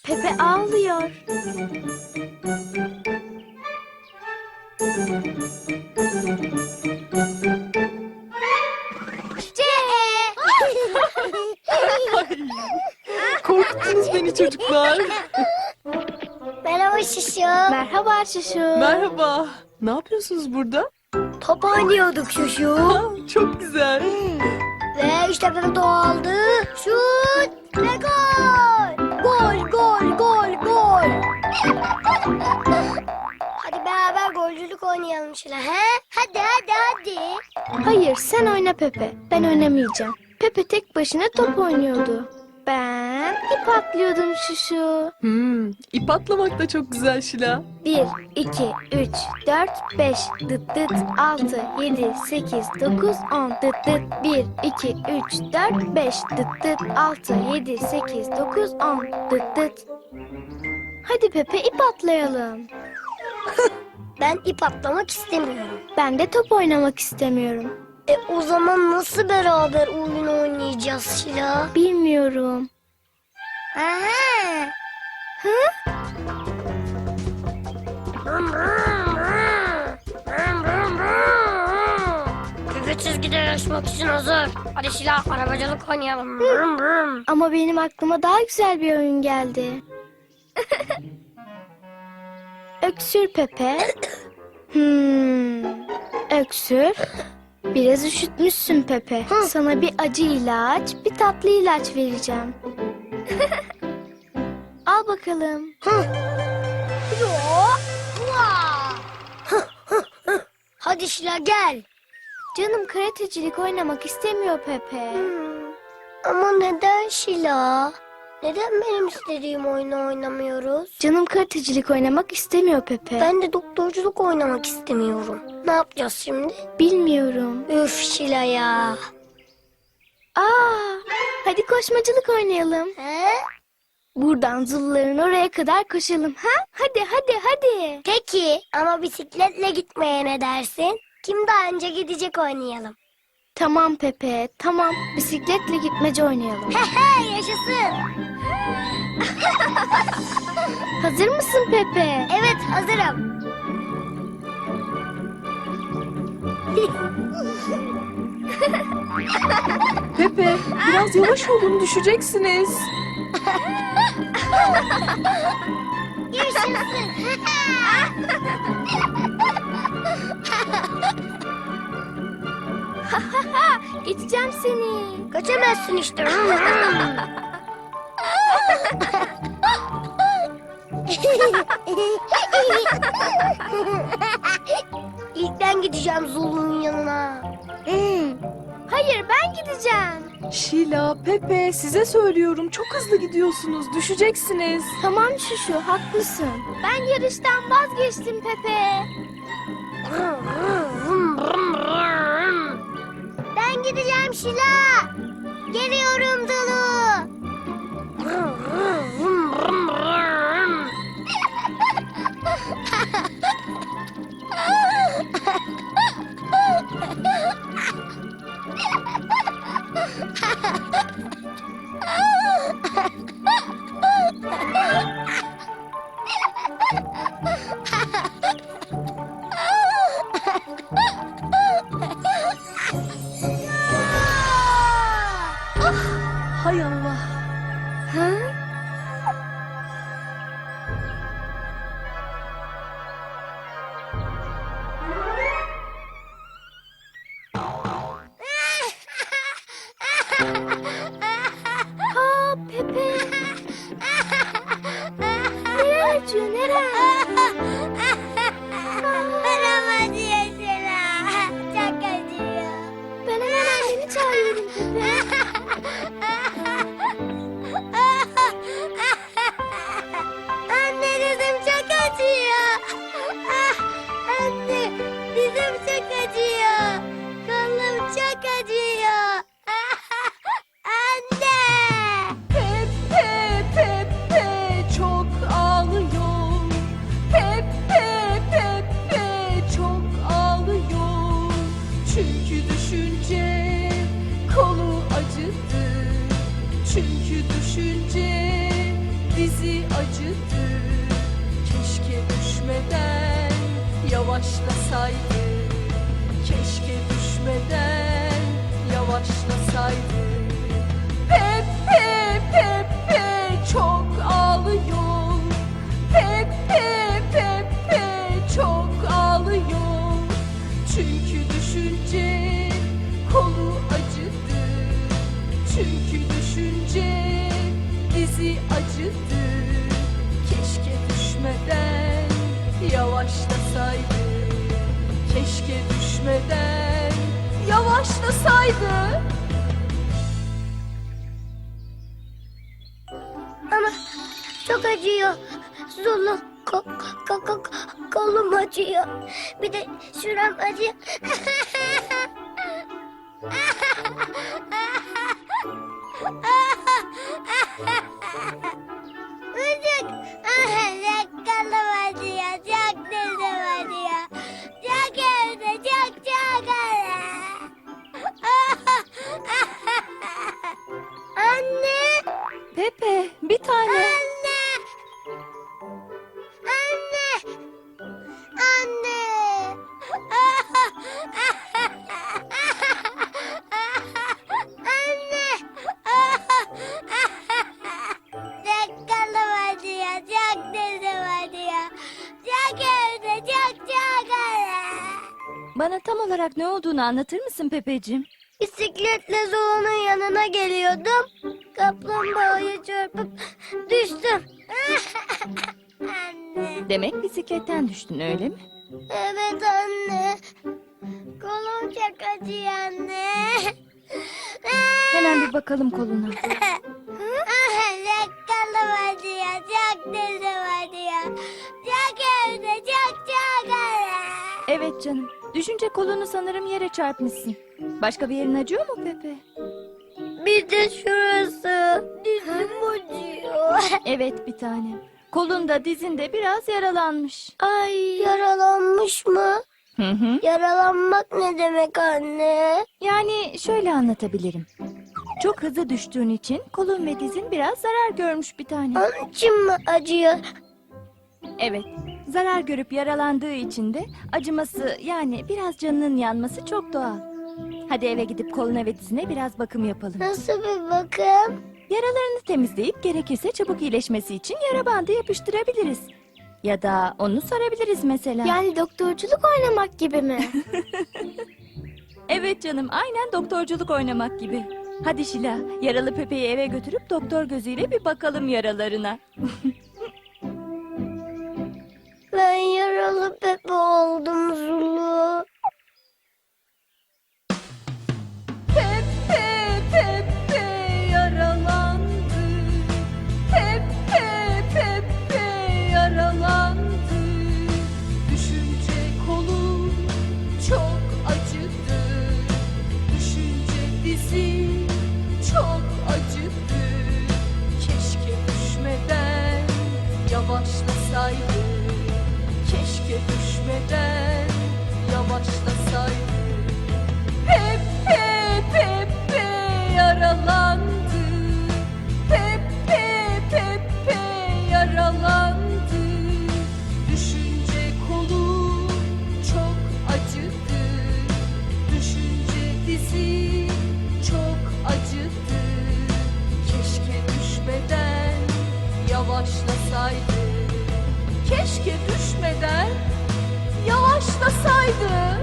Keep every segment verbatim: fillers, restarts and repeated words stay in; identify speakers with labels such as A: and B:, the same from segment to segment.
A: Pepe ağlıyor.
B: Korkuttunuz beni çocuklar.
C: Merhaba Şişo.
A: Merhaba Şuşu.
B: Merhaba. Ne yapıyorsunuz burada?
C: Top oynuyorduk Şuşu.
B: Aa, çok güzel.
C: Ve işte Pepe topu aldı. Şut ve gol. Gol, gol, gol, gol. Hadi beraber golcülük oynayalım Şila. He? Hadi, hadi, hadi.
A: Hayır, sen oyna Pepe. Ben oynamayacağım. Pepe tek başına top oynuyordu. Ben ip atlıyordum Şuşu.
B: Hmm, ip atlamak da çok güzel Şila.
A: Bir, iki, üç, dört, beş, dıt dıt, altı, yedi, sekiz, dokuz, on, dıt dıt, bir, iki, üç, dört, beş, dıt dıt, altı, yedi, sekiz, dokuz, on, dıt dıt. Hadi Pepe ip atlayalım.
C: Ben ip atlamak istemiyorum.
A: Ben de top oynamak istemiyorum.
C: E o zaman nasıl beraber oyun oynayacağız Şila?
A: Bilmiyorum.
C: Aha.
A: Hı?
C: Pepe çizgide yarışmak için hazır. Hadi Şila arabacılık oynayalım. Brum brum.
A: Ama benim aklıma daha güzel bir oyun geldi. Öksür Pepe. Hmm. Öksür. Biraz üşütmüşsün Pepe. Sana bir acı ilaç, bir tatlı ilaç vereceğim. Al bakalım.
C: Yo. Vaa. Hadi Şila gel.
A: Canım karatecilik oynamak istemiyor Pepe.
C: Hmm. Ama neden Şila? Neden benim istediğim oyunu oynamıyoruz?
A: Canım karatecilik oynamak istemiyor Pepe.
C: Ben de doktorculuk oynamak istemiyorum. Ne yapacağız şimdi?
A: Bilmiyorum.
C: Üf Şila ya.
A: Aa, hadi koşmacılık oynayalım.
C: He?
A: Buradan Zuluların oraya kadar koşalım. Ha? Hadi hadi hadi.
C: Peki ama bisikletle gitmeye ne dersin? Kim daha önce gidecek oynayalım.
A: Tamam Pepe, tamam. Bisikletle gitmece oynayalım.
C: Hehe yaşasın.
A: Hazır mısın Pepe?
C: Evet hazırım.
B: Pepe, biraz yavaş olun, düşeceksiniz.
C: Yaşasın.
A: Geçeceğim seni.
C: Kaçamazsın işte. İlk ben gideceğim Zulu'nun yanına.
A: Hayır ben gideceğim.
B: Şila, Pepe, size söylüyorum. Çok hızlı gidiyorsunuz, düşeceksiniz.
A: Tamam Şuşu haklısın. Ben yarıştan vazgeçtim Pepe.
C: Ben gideceğim Şila. Geliyorum Zulu.
B: Hay Allah.
A: Ha? Ha Pepe. Neren acıyor neren?
C: Bana acıyor Şila. Çok acıyor.
A: Ben hemen anneni çağırıyorum Pepe.
C: Anne dizim çok acıyor. Anne dizim çok acıyor. Kolum çok acıyor. Anne.
B: Pepe, Pepe çok ağlıyor. Pepe, Pepe çok ağlıyor. Çünkü düşünce kolu acıdı. Çünkü düşünce dizi acıdı. Keşke düşmeden yavaşlasaydı. Keşke düşmeden yavaşlasaydı. Pepe Pepe çok ağlıyor. Pepe Pepe çok ağlıyor. Çünkü düşünce kolu acıdı. Çünkü düşünce dizi acıdı. Keşke düşmeden yavaşlasaydı. Keşke düşmeden yavaşlasaydı.
C: Ama çok acıyor. Zulu ko, ko, ko, kolum acıyor. Bir de şuram acıyor. Müzik. Çok kolum acıyor. Çok dizim acıyor. Çok evde çok çok Anne.
B: Pepe, bir tane.
C: Anne! Anne! Anne! Anne! Çok kolum acıyor, çok dizim acıyor. Çok evde, çok çok
D: Bana tam olarak ne olduğunu anlatır mısın Pepeciğim?
C: Bisikletle Zula'nın yanına geliyordum. Kaplumbağaya çarpıp düştüm. Anne.
D: Demek bisikletten düştün öyle mi?
C: Evet anne. Kolum çok acıyor anne.
D: Hemen bir bakalım koluna.
C: Çok kolum acıyor. Çok dizim acıyor. Çok evde çok çok
D: Evet canım. Düşünce kolunu sanırım yere çarpmışsın. Başka bir yerin acıyor mu Pepe?
C: Bir de şurası. Dizim acıyor.
D: Evet bir tane. Kolunda dizinde biraz yaralanmış.
C: Ay yaralanmış mı?
D: Hı hı.
C: Yaralanmak ne demek anne?
D: Yani şöyle anlatabilirim. Çok hızlı düştüğün için kolun ve dizin biraz zarar görmüş bir tane.
C: Onun için mi acıyor?
D: Evet. Zarar görüp yaralandığı için de acıması yani biraz canının yanması çok doğal. Hadi eve gidip koluna ve dizine biraz bakım yapalım.
C: Nasıl bir bakım?
D: Yaralarını temizleyip gerekirse çabuk iyileşmesi için yara bandı yapıştırabiliriz. Ya da onu sarabiliriz mesela.
A: Yani doktorculuk oynamak gibi mi?
D: Evet canım, aynen doktorculuk oynamak gibi. Hadi Şila, yaralı Pepe'yi eve götürüp doktor gözüyle bir bakalım yaralarına.
C: Ben yaralı Pepe oldum Zulu.
B: Pepe Pepe yaralandı. Pepe Pepe yaralandı. Düşünce kolum çok acıdı. Düşünce dizi çok acıdı. Keşke düşmeden yavaşlasaydı. Keşke düşmeden yavaşlasaydı. Pepe Pepe yaralandı. Pepe Pepe yaralandı. Düşünce kolu çok acıdı. Düşünce dizi çok acıdı. Keşke düşmeden yavaşlasaydı. Keşke düşmeden yavaşlasaydı.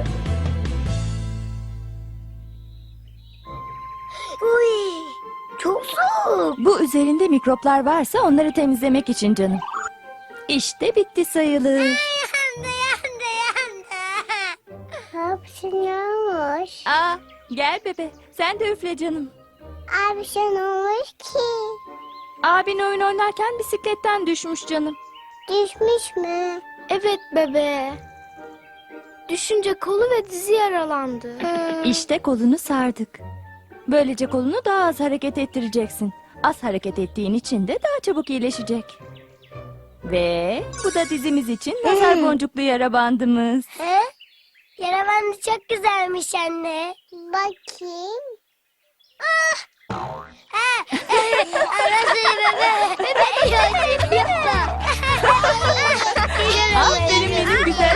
C: Uy, çok soğuk.
D: Bu üzerinde mikroplar varsa onları temizlemek için canım. İşte bitti sayılır.
C: Yandı yandı yandı. Ne yapsın yağmış?
D: Aa, gel bebe, sen de üfle canım.
C: Abi şey ne olmuş ki?
D: Abin oyun oynarken bisikletten düşmüş canım.
C: Düşmüş mü?
A: Evet bebe. Düşünce kolu ve dizi yaralandı.
D: İşte kolunu sardık. Böylece kolunu daha az hareket ettireceksin. Az hareket ettiğin için de daha çabuk iyileşecek. Ve bu da dizimiz için nazar boncuklu yara bandımız.
C: He? Yara bandı çok güzelmiş anne. Bakayım. Ah! Ha! Arası bebe. Bebe iyi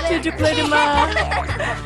D: çocuklarıma.